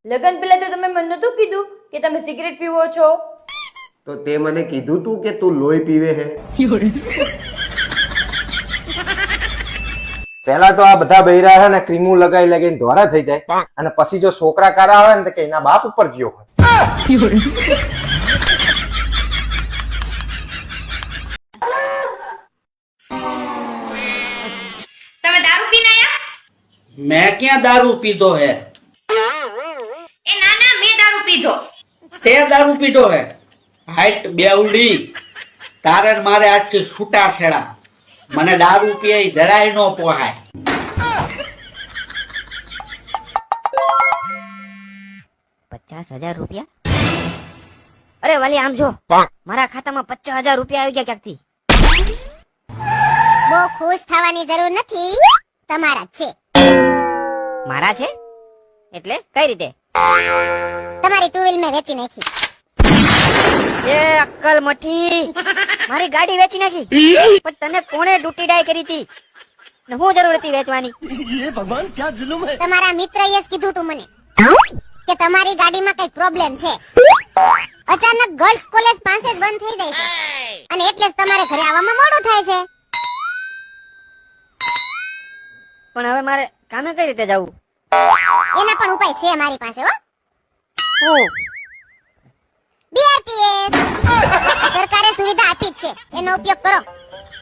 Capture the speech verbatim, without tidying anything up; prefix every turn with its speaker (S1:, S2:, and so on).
S1: લગન પહેલા તો તમે મને નતું કીધું કે તમે સિગરેટ પીવો છો?
S2: તો તે મને કીધું તું કે તું લોહી પીવે હે? પેલા તો આ બધા બૈરા હે ને ક્રીમો લગાઈ લગાઈને ધોરા થઈ જાય અને પછી જો છોકરા કારા આવે ને તો કે એના બાપ ઉપર જ્યો હોય.
S1: તમે દારૂ પીને આયા?
S3: मैं क्या दारू पीधो है?
S1: એ ના ના, મેં દારૂ પીધો.
S3: તે દારૂ પીધો है? હાઈટ બેવડી તારે ને મારે આજથી છૂટા છેડા. મને દારૂ પીએ જરાય નો પોહાય.
S4: પચાસ હજાર રૂપિયા? અરે વાલી આમ જો, મારા ખાતામાં પચાસ હજાર રૂપિયા આવી ગયા ક્યાંકથી.
S5: બહુ ખુશ થવાની જરૂર નથી, તમારા જ છે.
S4: મારા છે એટલે કઈ રીતે?
S5: તમારી ટુ વ્હીલ મેં વેચી નાખી.
S4: એ અક્કલ મઠી, મારી ગાડી વેચી નાખી? પણ તને કોણે ડૂટી ડાય કરી હતી ને હું જરૂર હતી વેચવાની?
S5: તમારા મિત્રએ જ કીધું તું મને કે તમારી ગાડીમાં કઈ પ્રોબ્લેમ છે. અચાનક ગર્લ્સ કોલેજ પાસે જ બંધ થઈ જાય છે અને એટલે જ તમારે ઘરે આવવામાં મોડું થાય છે.
S4: પણ હવે મારે કામે કઈ રીતે જવું?
S5: એના પણ ઉપાય છે મારી પાસે. હો,
S4: હું
S5: બીઆરટીએસ સરકારે સુવિધા આપી જ છે, એનો ઉપયોગ કરો.